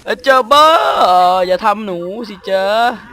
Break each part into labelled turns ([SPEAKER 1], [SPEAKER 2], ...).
[SPEAKER 1] เจอเบอร์อย่าทำหนูสิเจอ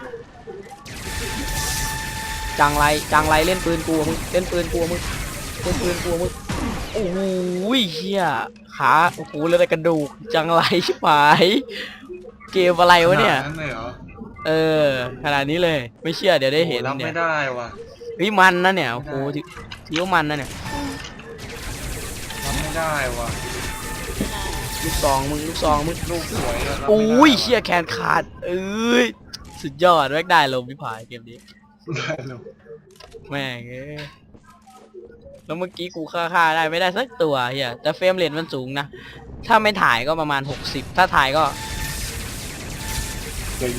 [SPEAKER 1] จังไรเล่นปืนกูมึงเล่นปืนกูมึงเล่นปืนกูมึงโอ้โหเฮียขาโอ้โหเลยแต่กระดูกจังไรชิบหายเกมอะไรวะเนี่ยเออขนาดนี้เลยไม่เชื่อเดี๋ยวได้เห็น
[SPEAKER 2] รับ
[SPEAKER 1] เนี่ย
[SPEAKER 2] ไม่ได้ว่ะ
[SPEAKER 1] มันนะเนี่ยโอ้โหทีว่ามันนะเนี่ย
[SPEAKER 2] รับไม่ได้ว่ะ
[SPEAKER 1] ลูกซองมึง
[SPEAKER 2] ลูกสวย
[SPEAKER 1] โอ้ยเชี่ยแขนขาดเอ้ยสุดยอดแม่งได้ลมพิพายเกมนี้
[SPEAKER 2] ได้ลง
[SPEAKER 1] แม่งแล้วเมื่อกี้กูฆ่าได้ไม่ได้สักตัวเฮียแต่เฟรมเรทมันสูงนะถ้าไม่ถ่ายก็ประมาณ60ถ้าถ่ายก็
[SPEAKER 2] เดี๋ยว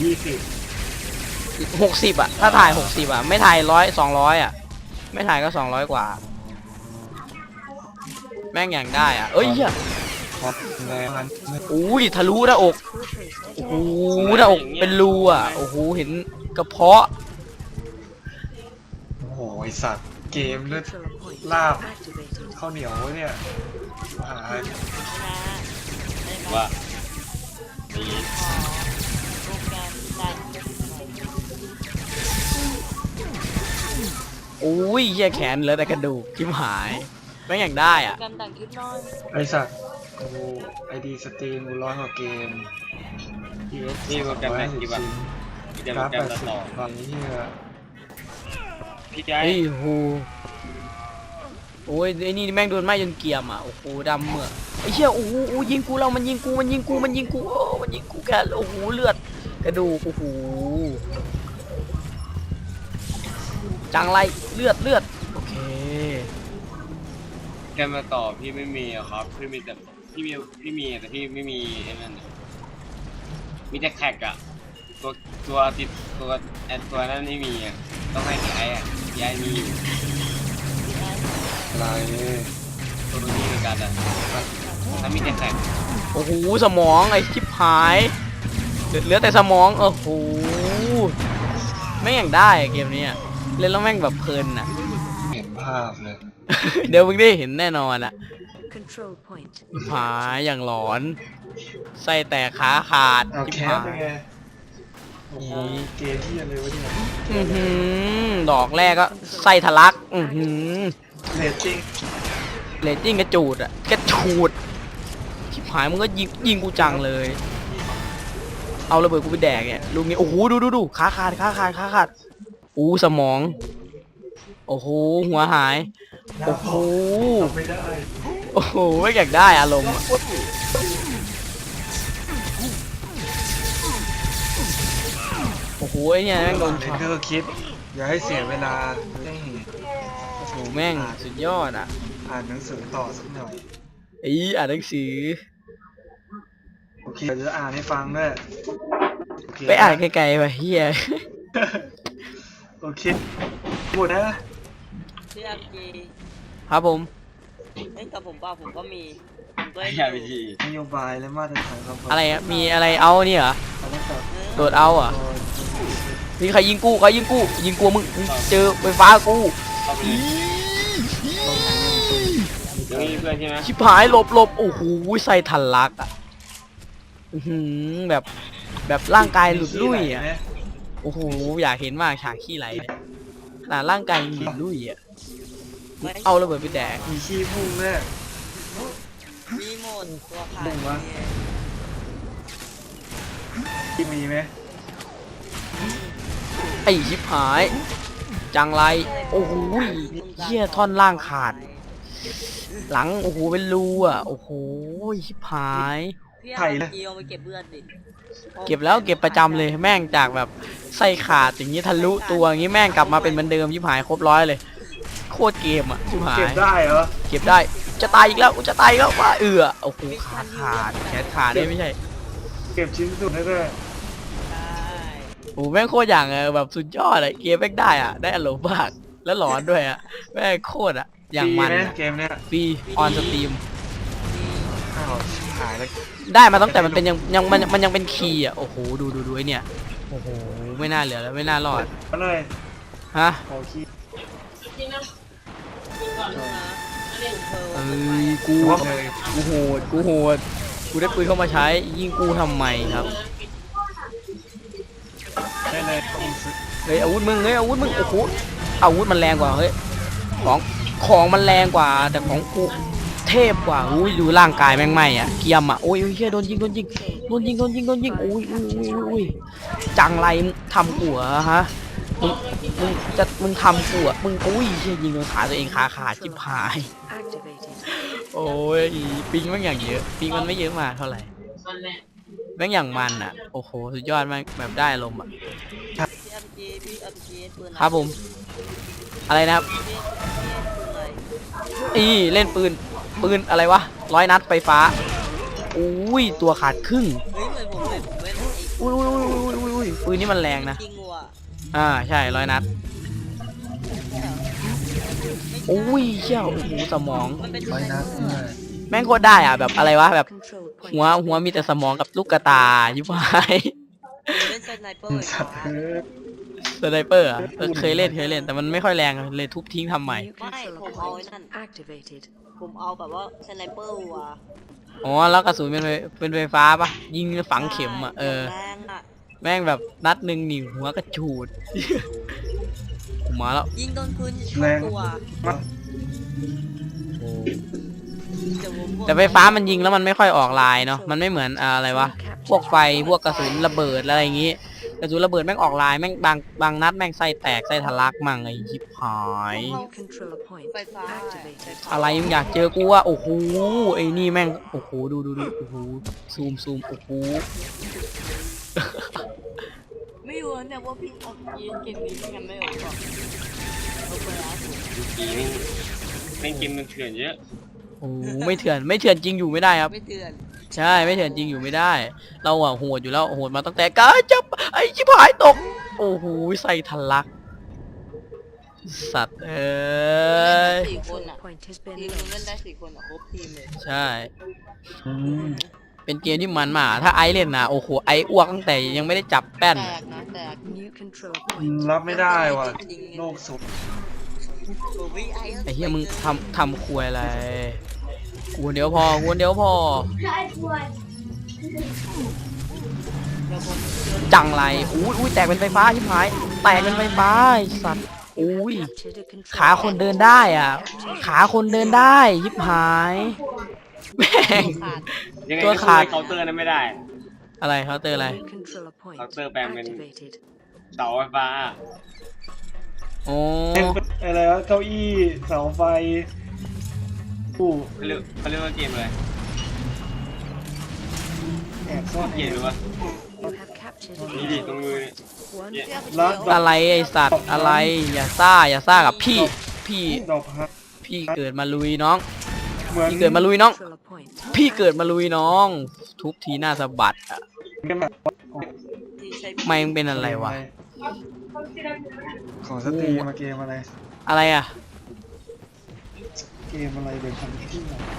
[SPEAKER 1] 60อ่ะถ้าถ่าย60อ่ะไม่ถ่าย200อ่ะไม่ถ่ายก็200กว่าแม่งอย่างได้อ่ะเอ้ยเฮียอุ้ยทะลุหน้าอกโอ้โหหน้าอกเป็นรูอ่ะโอ้โหเห็นกระเพาะ
[SPEAKER 2] โอ้โหไอสัตว์เกมเลือดลาบข้าวเหนียวเนี่ยหา
[SPEAKER 3] ว่า
[SPEAKER 1] โอ้ยเหี้ยแขนเหลือแต่กระดูกจิ้มหายแม่งอย่างได้อ่ะ
[SPEAKER 2] ไอสัตว์โอ้ไอดีสตรีมร้อยกว่าเกม
[SPEAKER 3] นี่โปรแกรมไหนที่แบบจะโปรแกรมต่อ
[SPEAKER 2] ตอนนี้
[SPEAKER 3] พี่ใจ
[SPEAKER 1] เฮ้ยโหโอ้ยไอ้นี่แม่งโดนไหม้จนเกรียมอ่ะโอ้โหดำเหมือกไอ้เชี่ยโอ้โหยิงกูเรามันยิงกูโอ้มันยิงกูแกโอ้โหเลือดกระดูกโอ้โหจังไรเลือดโอเค
[SPEAKER 3] แกมาต่อพี่ไม่มีอะครับพี่มีแต่พี่มีแต่พี่ไม่มีไอ้นั่นมีแต่แท็กอะตัวติดตัวตัวนั้นไม่มีอะต้องให้พี่ไอ้อะพี่ไอ้มีอยู่
[SPEAKER 2] อะไร
[SPEAKER 3] ตัวนี้เหมือนกันอะถ้ามีแต่แท็ก
[SPEAKER 1] โอ้โหสมองไอ้ชิบหายเหลือแต่สมองโอ้โหแม่งอย่างได้เกมนี้เล่นแล้วแม่งแบบเพลินอ่ะ
[SPEAKER 2] เห็นภาพเลย
[SPEAKER 1] เดี๋ยวมึงได้เห็นแน่นอนอ่ะหาอย่างหลอนไส้แตกขาขาด
[SPEAKER 2] จิบหายโอ้โหเกมที่อะไรวะ
[SPEAKER 1] เนี่ยดอกแรกก็ไส้ทะลัก
[SPEAKER 2] เรต
[SPEAKER 1] ติ้งกระจูดอ่ะกระจูดชิบหายมึงก็ยิงกูจังเลยเอาระเบิดกูไปแดกเนี่ยลูกนี้โอ้โหดูขาขาดอู้สมองโอ้โหหัวหายโอ้โหโอ้โหไม่อยากได้อารมณ์โอ้โหไอเนี่ยแม่งโดนช็อต
[SPEAKER 2] ก็คิดอย่าให้เสียเวลา
[SPEAKER 1] โอ้โหแม่งสุดยอดอ่ะ
[SPEAKER 2] อ่านหนังสือต่อสักหน่อย
[SPEAKER 1] อ่านหนังสือ
[SPEAKER 2] โอเคจะอ่านให้ฟังด้วย
[SPEAKER 1] ไปอ่านไกลๆไปเฮีย
[SPEAKER 2] โอเคหมดนะ
[SPEAKER 4] พี่อาร์จี
[SPEAKER 1] ครับผม
[SPEAKER 4] เล่นกับผมป่ะผมก็มี
[SPEAKER 2] นโยบายและมาตรฐานครับ
[SPEAKER 1] อะไรอ่ะมีอะไรเอาเนี่ยเหรอโดดเอาอ่ะมีใครยิงกูยิงกูมึงเจอไฟฟ้ากูชิบหายหลบโอ้โหใส่ทันลักอ่ะแบบร่างกายหลุดลุ่ยอ่ะโอ้โหอยากเห็นมากฉากขี้ไหลขนาดร่างกายหลุดลุ่ยอ่ะเอาระเบิดไปแดก
[SPEAKER 2] มีขี้พุ่งแน่
[SPEAKER 4] มีหมดตัวขาย
[SPEAKER 2] ที่มีไหม
[SPEAKER 1] ไอชิบหายจังไรโอ้โหเหี้ยท่อนล่างขาดหลังโอ้โหเป็นรูอ่ะโอ้โหชิบหาย
[SPEAKER 4] ไถ่เลยไปเก็บเลือดดิ
[SPEAKER 1] เก็บแล้วเก็บประจำเลยแม่งจากแบบไส้ขาดอย่างนี้ทะลุตัวอย่างนี้แม่งกลับมาเป็นเหมือนเดิมชิบหายครบ100เลยโคตรเกมอ่ะชิบหาย
[SPEAKER 2] เก็บได้เหรอ
[SPEAKER 1] เก็บได้จะตายอีกแล้วจะตายอีกแล้วว่าโอ้โหขาดแขนขาดได้ไม่ใช่
[SPEAKER 2] เก็บชิ้นสุดได้
[SPEAKER 1] โอ้แม่งโคตรอย่างแบบสุดยอดเลยเกมแม่งได้อ่ะได้อารมณ์มากแล้วหลอนด้วยอ่ะแม่งโคตรอ่ะอย่างมัน
[SPEAKER 2] เกมเนี้ย
[SPEAKER 1] ฟรีออนสตรีม
[SPEAKER 2] หายแล้ว
[SPEAKER 1] ได้มาตั้งแต่มันเป็นมันยังเป็นคีย์อ่ะโอ้โหดูไอเนี่ยโอ้โหไม่น่าเหลือแล้วไม่น่ารอด
[SPEAKER 2] เลย
[SPEAKER 1] ฮะกูโหดกูได้ปืนเข้ามาใช้ยิงกูทำไมครับ
[SPEAKER 2] ได้เลยยิงสุด
[SPEAKER 1] เฮ้ยอาวุธมึงเฮ้ยอาวุธมึงโอ้โหอาวุธมันแรงกว่าเฮ้ยของมันแรงกว่าแต่ของกูเทพกว่าอุ้ยดูร่างกายแม่งไหมอ่ะเกียมอ่ะโอ้ยเฮียโดนยิงโอ้ยอุ้ยจังไรมึงทำกูเหรอฮะมึงทำกูอ่ะมึงอุ้ยเฮียยิงโดนขาตัวเองขาขาดจิบหายโอ้ยปิงแม่งอย่างเยอะปิงมันไม่เยอะมากเท่าไหร่แม่งอย่างมันอ่ะโอ้โหสุดยอดมากแบบได้ลมณ์อ่ะ
[SPEAKER 4] พี่อัพเกรดปืน
[SPEAKER 1] ครับผมอะไรนะครับ
[SPEAKER 4] ปืนอะไร
[SPEAKER 1] เล่นปืนอะไรวะ100 นัดไฟฟ้าอุ้ยตัวขาดครึ่ง
[SPEAKER 4] เฮ้ยเหมือนผมเลยผมเล่นไอ้
[SPEAKER 1] อุ้ยปืนนี่มันแรงนะ
[SPEAKER 4] จริงว่ะ
[SPEAKER 1] ใช่100 นัดอุ้ยเชี่ยวโอ้โหสมอง
[SPEAKER 4] มันเป็น
[SPEAKER 2] ร้อยนัดเนี่ย
[SPEAKER 1] แม่งโคตรได้อ่ะแบบอะไรวะแบบหัวมีแต่สมองกับลูกกระตายิบหาย
[SPEAKER 4] ผมเล่นสไนเปอร์
[SPEAKER 2] สัตว์เอ้ย
[SPEAKER 1] สไนเปอร์อ่ะเคยเล่นแต่มันไม่ค่อยแรงเลยทุบทิ้งทำใหม่
[SPEAKER 4] ไม่ผมเอาไอ้นั่นผมเอาแบบว่าสไนเปอร์ว่ะ
[SPEAKER 1] อ๋อแล้วกระสุนเป็นไฟฟ้าปะยิงฝังเข็มอ่ะ
[SPEAKER 4] แรงอ่ะ
[SPEAKER 1] แม่งแบบนัดหนึ่งหนิวหัวกระฉูด ผมมาแล้ว
[SPEAKER 4] ยิงโดนพื้นจะช่วยตัว
[SPEAKER 2] มาก
[SPEAKER 1] แต่ไฟฟ้ามันยิงแล้วมันไม่ค่อยออกลายเนาะมันไม่เหมือนอะไรวะพวกไฟพวกกระสุนระเบิดอะไรอย่างงี้กระสุนระเบิดแม่งออกลายแม่งบางนัดแม่งไส้แตกไส้ทะลักมั่งไอ้ชิบหาย
[SPEAKER 4] ไฟฟ้า
[SPEAKER 1] อะไรมึงอยากเจอกูว่าโอ้โหไอ้นี่แม่งโอ้โหดูโอ้โหซูมโอ้โห
[SPEAKER 4] ไม่รู้เนี่ยว่าพี่อัพเกรดเกมนี้ยังไม่ออกหรอกเอาไปแล้ว
[SPEAKER 3] กีแม่งเกมมันเถื่อนเยอะ
[SPEAKER 1] โอ้โหไม่เถื่อนจริงอยู่ไม่ได้ครับ
[SPEAKER 4] ไม่เตือน
[SPEAKER 1] ใช่ไม่เถื่อนจริงอยู่ไม่ได้ เราอะโหดอยู่แล้วโหดมาตั้งแต่กาจับไอ้ชิบหายตกโอ้โหใส่ทะลักสัตว์เอ้ย
[SPEAKER 4] สี่คนอ่ะทีมนึงเล่นได้4 คนอ่ะครบทีมเลย
[SPEAKER 1] ใช่
[SPEAKER 2] อืม
[SPEAKER 1] เป็นเกมที่มันมากถ้าไอเล่นนะโอ้โหไออ้วกตั้งแต่ยังไม่ได้จับแป้น
[SPEAKER 4] แตกนะแตก
[SPEAKER 2] รับไม่ได้ว่ะโลกสุด
[SPEAKER 4] โอ้ย
[SPEAKER 1] ไอ้เหี้ยมึงทำควยอะไรกูคนเดียวพอ
[SPEAKER 4] เดี๋ยวผม
[SPEAKER 1] จังไรอุ้ยแตกเป็นไฟฟ้าชิบหายแตกเป็นไฟฟ้าไอ้สัตว์อุ้ยขาคนเดินได้อ่ะขาคนเดินได้ยิบหายแม่ง
[SPEAKER 4] ขาด
[SPEAKER 3] ยังไง
[SPEAKER 1] ตัว
[SPEAKER 3] ก็
[SPEAKER 1] ขา
[SPEAKER 3] ขา
[SPEAKER 1] ด
[SPEAKER 3] ดเคาน์เตอร์นั้นไม่ได้
[SPEAKER 1] อะไรเขาเตอร์อะไร
[SPEAKER 3] เคาน์เตอร์แปลงเป็นเสาไฟฟ้า
[SPEAKER 1] โอ้
[SPEAKER 2] อะไรวะเก้าอี้เสาไฟผู้
[SPEAKER 3] เขาเรียกว่าเกมอะไร
[SPEAKER 2] แอบซ่อน
[SPEAKER 3] เกมหรือวะนี่ดิตรงมือเนี่ย
[SPEAKER 2] แล้ว
[SPEAKER 1] อะไรไอสัตว์อะไรอย่าซ่ากับพี่
[SPEAKER 2] ดอกฮัก
[SPEAKER 1] พี่เกิดมาลุยน้อง
[SPEAKER 2] เหมือน
[SPEAKER 1] พี่เกิดมาลุยน้อง พี่เกิดมาลุยน้อง ทุบทีหน้าสะบัดอะ
[SPEAKER 2] กันแบบ
[SPEAKER 4] ที่ใช้
[SPEAKER 1] ไม่งเป็นอะไรวะ
[SPEAKER 2] ขอสตรีมาเกมอะไร
[SPEAKER 1] อะไรอะ
[SPEAKER 2] เกมอะไรเป็นพันที่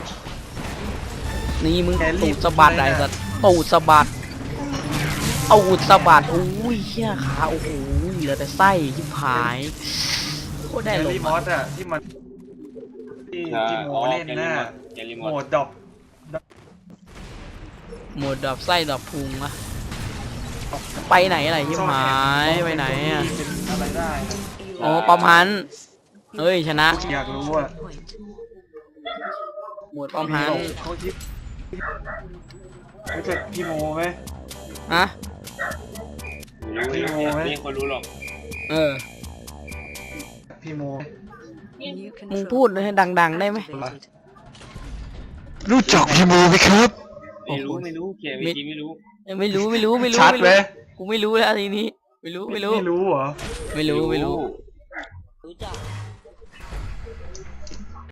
[SPEAKER 1] นี่มึง
[SPEAKER 2] แกรี
[SPEAKER 1] ตู
[SPEAKER 2] บ
[SPEAKER 1] ดสะบัด
[SPEAKER 2] เลย
[SPEAKER 1] ไอ้
[SPEAKER 2] นะ
[SPEAKER 1] สัตว์ตูดสะบัดเอาดสะบัดโอ้ยเหี้ยขาโอ้โหเหลือแต่ไส้ยิบหายโคตรได้
[SPEAKER 2] แก
[SPEAKER 1] ล
[SPEAKER 2] รี่
[SPEAKER 1] ม
[SPEAKER 2] มอ
[SPEAKER 1] อะ
[SPEAKER 2] สอะที่มันที่โมเล่นน่ะ
[SPEAKER 3] แกลิม
[SPEAKER 2] โห
[SPEAKER 3] อ
[SPEAKER 2] ม
[SPEAKER 3] ด
[SPEAKER 2] ดดอก
[SPEAKER 1] หมดดอกไส้ดอกพุงอะไปไหนอะไรยิบหายไปไหนอะ
[SPEAKER 2] เป็นอะไรได้นะ
[SPEAKER 1] โอ้ประพันธ์เฮ้ยชนะ
[SPEAKER 2] อยากรู้ว่า
[SPEAKER 1] หมดประพันธ์
[SPEAKER 2] เขาคิดรู้จักพี่โมไหม
[SPEAKER 1] ฮะ
[SPEAKER 3] ไม่รู้ไม่มีคนรู้หรอก
[SPEAKER 1] เออ
[SPEAKER 2] พี่โม
[SPEAKER 1] มึงพูดให้ดังๆได้ไหม
[SPEAKER 2] รู้จักพี่โมไหมครับ
[SPEAKER 3] ไม่รู้เกมจริงไม่รู้
[SPEAKER 1] ไม่รู้
[SPEAKER 2] ชัดไหม
[SPEAKER 1] กูไม่รู้แล้วทีนี้ไม่รู้
[SPEAKER 2] ไม่รู้เหรอ
[SPEAKER 1] ไม่รู้